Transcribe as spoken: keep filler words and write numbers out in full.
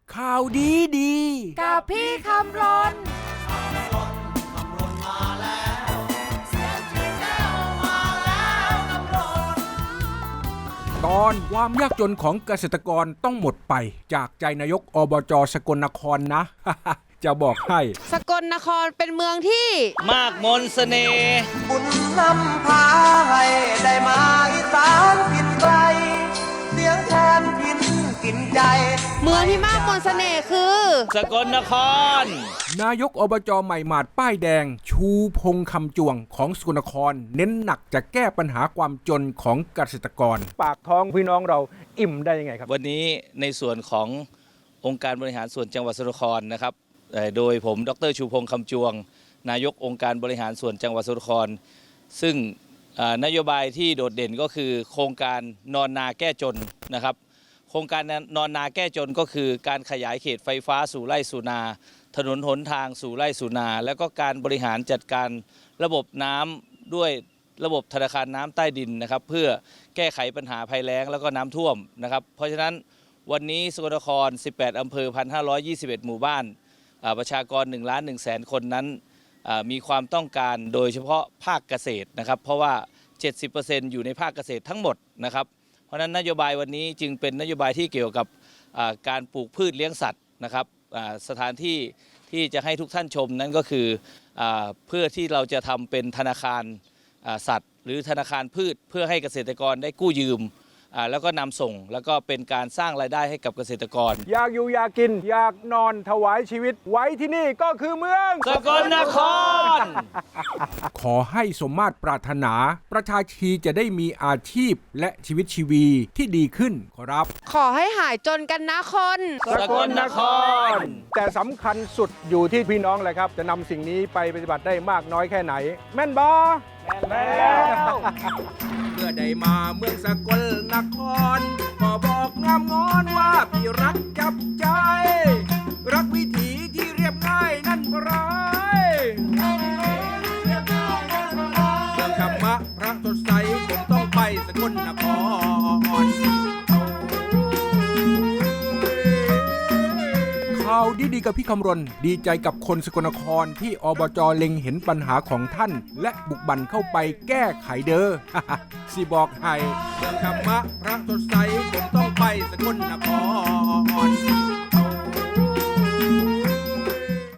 ข่าวดีดีกับพี่คำรนตอนความยากจนของเกษตรกรต้องหมดไปจากใจนายกอบจ.สกลนครนะ จะบอกให้สกลนครเป็นเมืองที่มากมนเสน่ห์บุญนำพาให้ได้มาอีสานกินไกลเสียงแทนพินกินใจเมืองที่มากมนเสน่ห์คือสกลนครนายกอบจ.ใหม่หมาดป้ายแดงชูพงษ์คำจวงของสกลนครเน้นหนักจะแก้ปัญหาความจนของเกษตรกรปากท้องพี่น้องเราอิ่มได้ยังไงครับวันนี้ในส่วนขององค์การบริหารส่วนจังหวัดสกลนครนะครับโดยผมดรชูพงษ์คำจวงนายกองค์การบริหารส่วนจังหวัดสกลนครซึ่งนโยบายที่โดดเด่นก็คือโครงการนอนนาแก้จนนะครับโครงการนอนนาแก้จนก็คือการขยายเขตไฟฟ้าสู่ไร่สู่นาถนนหนทางสู่ไร่สู่นาแล้วก็การบริหารจัดการระบบน้ำด้วยระบบธนาคารน้ำใต้ดินนะครับเพื่อแก้ไขปัญหาภัยแล้งแล้วก็น้ำท่วมนะครับเพราะฉะนั้นวันนี้สกลนครสิบแปดอำเภอ หนึ่งพันห้าร้อยยี่สิบเอ็ด หมู่บ้านประชากรหนึ่งล้านหนึ่งแสนคนนั้นมีความต้องการโดยเฉพาะภาคเกษตรนะครับเพราะว่า เจ็ดสิบเปอร์เซ็นต์ อยู่ในภาคเกษตรทั้งหมดนะครับเพราะฉะนั้นนโยบายวันนี้จึงเป็นนโยบายที่เกี่ยวกับการปลูกพืชเลี้ยงสัตว์นะครับสถานที่ที่จะให้ทุกท่านชมนั้นก็คือเพื่อที่เราจะทำเป็นธนาคารสัตว์หรือธนาคารพืชเพื่อให้เกษตรกรได้กู้ยืมแล้วก็นำส่งแล้วก็เป็นการสร้างรายได้ให้กับเกษตรกรอยากอยู่อยากกินอยากนอนถวายชีวิตไว้ที่นี่ก็คือเมืองสกลนครขอให้สมมาตรปรารถนาประชาชีจะได้มีอาชีพและชีวิตชีวีที่ดีขึ้นขอรับขอให้หายจนกันนะคนสกลนครแต่สำคัญสุดอยู่ที่พี่น้องแหละครับจะนำสิ่งนี้ไปปฏิบัติได้มากน้อยแค่ไหนแม่นบอแม่นแล้วเมื่อได้มาเมืองสกลนครก็บอกงามงอนว่าพี่รักจับใจรักวิถีที่เรียบง่ายนั่นเพราะเมืองธรรมะพระสดใสผมต้องไปสกลนครข่าวดีๆกับพี่คำรณดีใจกับคนสกลนครที่อบจ.เล็งเห็นปัญหาของท่านและบุกบั่นเข้าไปแก้ไขเด้อ สิบอกให้เมืองธรรมะพระสดใสผมต้องไปสกลนคร